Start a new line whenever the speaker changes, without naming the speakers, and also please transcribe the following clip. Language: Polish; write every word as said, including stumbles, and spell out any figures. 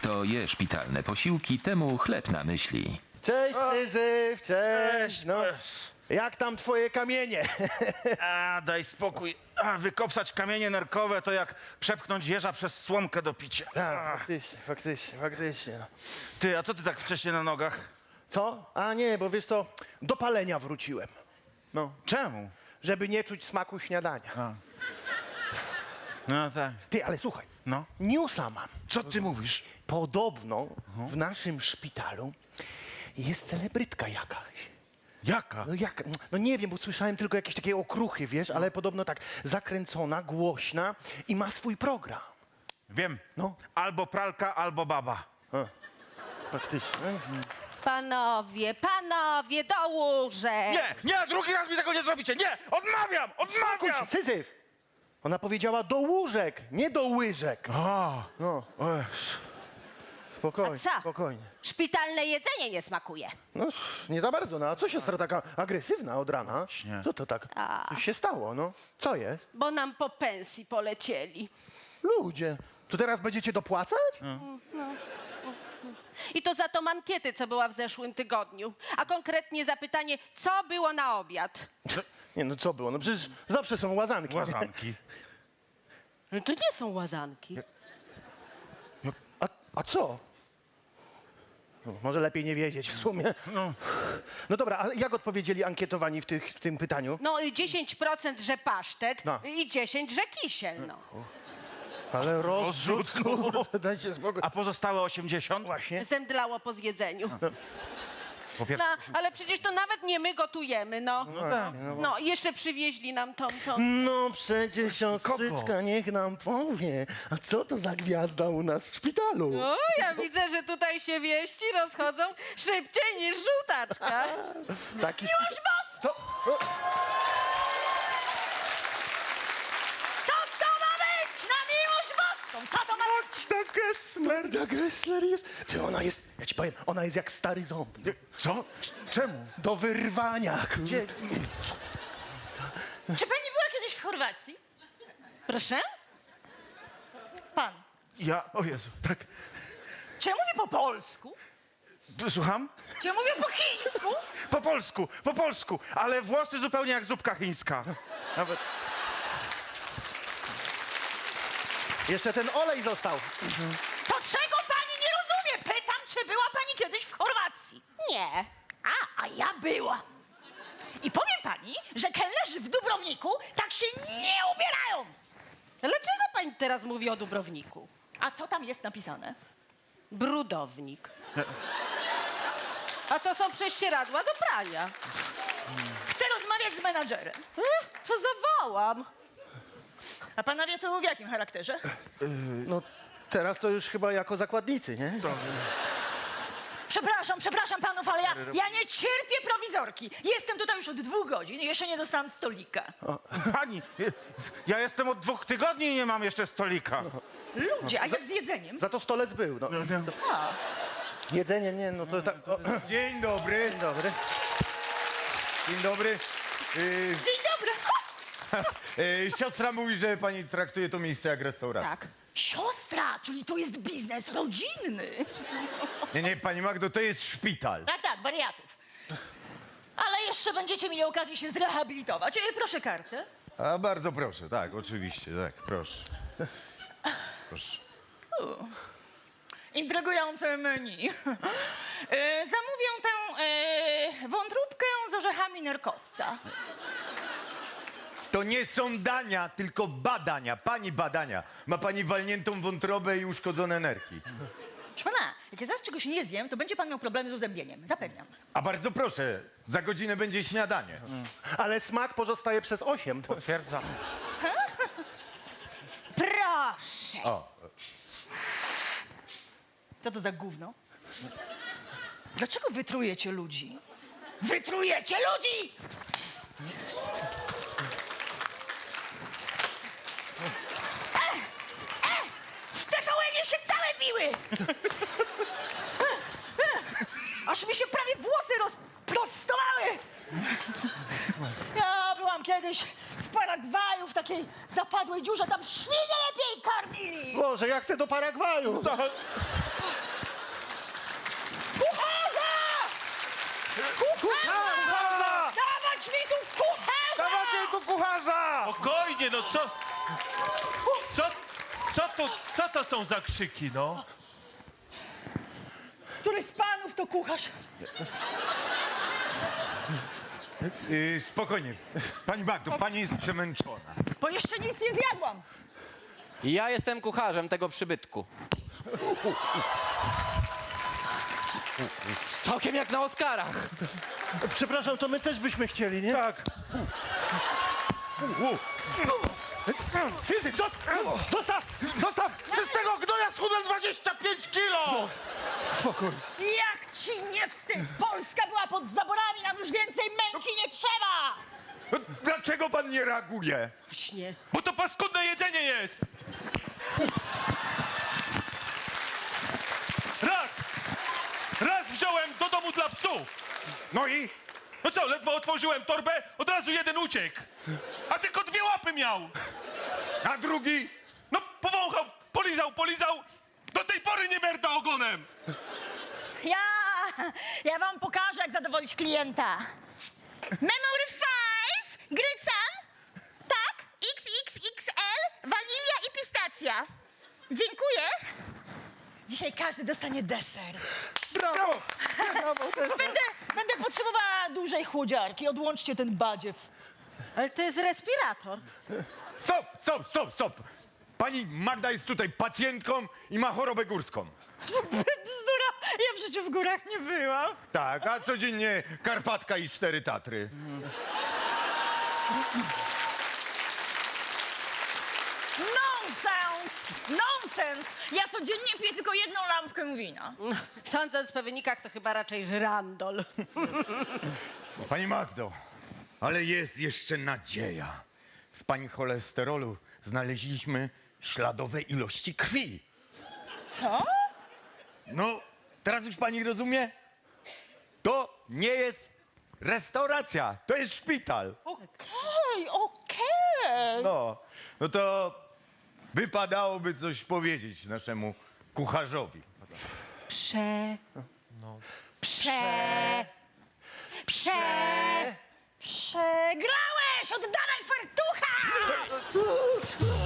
Kto je szpitalne posiłki, temu chleb na myśli.
Cześć, Syzyf, cześć. No, jak tam twoje kamienie?
A, daj spokój. A, wykopsać kamienie nerkowe to jak przepchnąć jeża przez słomkę do picia.
Tak, faktycznie, faktycznie, faktycznie.
Ty, a co ty tak wcześnie na nogach?
Co? A nie, bo wiesz co, do palenia wróciłem. No,
Czemu?
żeby nie czuć smaku śniadania.
No tak.
Ty, ale słuchaj,
No.
newsa mam.
Co ty mówisz?
Podobno w naszym szpitalu jest celebrytka jakaś.
Jaka?
No jak, no nie wiem, bo słyszałem tylko jakieś takie okruchy, wiesz, ale podobno tak zakręcona, głośna i ma swój program.
Wiem.
No.
Albo pralka, albo baba.
Faktycznie.
Panowie, panowie, do łóżek!
Nie, nie, drugi raz mi tego nie zrobicie. Nie, odmawiam, odmawiam.
Syzyf! Ona powiedziała do łóżek, nie do łyżek.
A,
No,
o Jezu.
spokojnie,
A co?
spokojnie.
Szpitalne jedzenie nie smakuje.
No, nie za bardzo, no a co siostra taka agresywna od rana?
Właśnie.
Co to tak?
A.
Coś się stało, no. Co jest?
Bo nam po pensji polecieli.
Ludzie, to teraz będziecie dopłacać?
I to za tą ankietę, co była w zeszłym tygodniu. A konkretnie zapytanie, co było na obiad?
Nie, no co było? No przecież zawsze są łazanki.
Łazanki.
No to nie są łazanki.
A, a co? No, może lepiej nie wiedzieć w sumie.
No.
No dobra, a jak odpowiedzieli ankietowani w, tych, w tym pytaniu?
No i dziesięć procent, że pasztet
No.
i dziesięć procent, że kisiel, no.
Ale rozrzut, kurde, dajcie spokój.
A pozostałe osiemdziesiąt?
Właśnie.
Zemdlało po zjedzeniu.
Po pierwsze,
No, ale przecież to nawet nie my gotujemy, no.
no tak.
No, i jeszcze przywieźli nam tą, tą...
No przecież siostryczka niech nam powie, a co to za gwiazda u nas w szpitalu?
O, ja widzę, że tutaj się wieści rozchodzą szybciej niż żółtaczka.
Taki Miłość Co? O,
Co to ma być na miłość boską? Co to ma być?
Magda Gessler, Magda Gessler jest. Ty, ona jest, ja ci powiem, ona jest jak stary ząb.
Co? C- Czemu?
Do wyrwania. Gdzie?
Czy pani była kiedyś w Chorwacji?
Proszę?
Pan.
Ja, o Jezu, tak.
Czy ja mówię po polsku?
Słucham?
Czy ja mówię po chińsku?
Po polsku, po polsku, ale włosy zupełnie jak zupka chińska. Nawet.
Jeszcze ten olej został.
To czego pani nie rozumie? Pytam, czy była pani kiedyś w Chorwacji?
Nie.
A, a ja była. I powiem pani, że kelnerzy w Dubrowniku tak się nie ubierają.
Dlaczego pani teraz mówi o Dubrowniku?
A co tam jest napisane?
Brudownik. A to są prześcieradła do prania.
Chcę rozmawiać z menadżerem.
Eh, To zawołam.
A panowie tu w jakim charakterze?
No teraz to już chyba jako zakładnicy, nie?
Przepraszam, przepraszam panów, ale ja, ja nie cierpię prowizorki. Jestem tutaj już od dwóch godzin i jeszcze nie dostałam stolika.
Pani, ja jestem od dwóch tygodni i nie mam jeszcze stolika.
Ludzie, a jak z jedzeniem?
Za to stolec był. No.
A,
Jedzenie, nie, no to tak. O,
Dzień dobry.
dzień dobry.
Dzień dobry. Yy,
dzień dobry.
yy, siostra mówi, że pani traktuje to miejsce jak restaurację.
Tak.
Siostra, czyli to jest biznes rodzinny.
Nie, nie, pani Magdo, to jest szpital.
Tak, tak, wariatów. Ale jeszcze będziecie mieli okazję się zrehabilitować. E, proszę kartę.
A bardzo proszę, tak, oczywiście, tak, proszę. Proszę.
Intrygujące menu. E, zamówię tę e, wątróbkę z orzechami nerkowca.
To nie są dania, tylko badania. Pani badania. Ma pani walniętą wątrobę i uszkodzone nerki.
Proszę pana, jak ja zaraz czegoś nie zjem, to będzie pan miał problemy z uzębieniem. Zapewniam.
A bardzo proszę, za godzinę będzie śniadanie.
Ale smak pozostaje przez osiem.
Potwierdzam.
Proszę.
O,
Co to za gówno? Dlaczego wytrujecie ludzi? Wytrujecie ludzi! E, e, w T V N-ie się całe biły! Aż mi się prawie włosy rozprostowały! Ja byłam kiedyś w Paragwaju, w takiej zapadłej dziurze, tam świnie lepiej karmili!
Boże, ja chcę do Paragwaju.
Nie no, co... Co... Co to, co to są za krzyki, no?
Który z panów to kucharz?
Yy, spokojnie. Pani Magdo, pani jest przemęczona.
Bo jeszcze nic nie zjadłam.
Ja jestem kucharzem tego przybytku. Całkiem jak na Oscarach.
Przepraszam, to my też byśmy chcieli, nie?
Tak.
Syzyf, zostaw! Zostaw! Zostaw!
Przez tego gnoja schudłem dwadzieścia pięć kilo!
Spokój.
Jak ci nie wstyd? Polska była pod zaborami, nam już więcej męki nie trzeba!
No, dlaczego pan nie reaguje?
Właśnie.
Bo to paskudne jedzenie jest! Raz! Raz wziąłem do domu dla psów!
No i?
No co, ledwo otworzyłem torbę, od razu jeden uciekł! A tylko dwie łapy miał!
A drugi?
No powąchał, polizał, polizał! Do tej pory nie merda ogonem!
Ja, ja wam pokażę, jak zadowolić klienta. Memory five, grycan, tak, X X X L, wanilia i pistacja. Dziękuję. Dzisiaj każdy dostanie deser.
Brawo! Brawo!
Bo będę, będę potrzebowała dużej chłodziarki. Odłączcie ten badziew.
Ale to jest respirator.
Stop, stop, stop, stop. Pani Magda jest tutaj pacjentką i ma chorobę górską.
Bzdura, ja w życiu w górach nie byłam.
Tak, a codziennie Karpatka i cztery Tatry.
Nonsens! Nonsens! Ja codziennie piję tylko jedną lampkę wina.
Sądząc po wynikach, to chyba raczej żyrandol.
Pani Magdo, ale jest jeszcze nadzieja. W pani cholesterolu znaleźliśmy śladowe ilości krwi.
Co?
No, teraz już pani rozumie? To nie jest restauracja, to jest szpital.
Okej, okej.
No, no to wypadałoby coś powiedzieć naszemu kucharzowi.
Prze... Prze... Prze...
Przegrałeś! Oddawaj fartucha!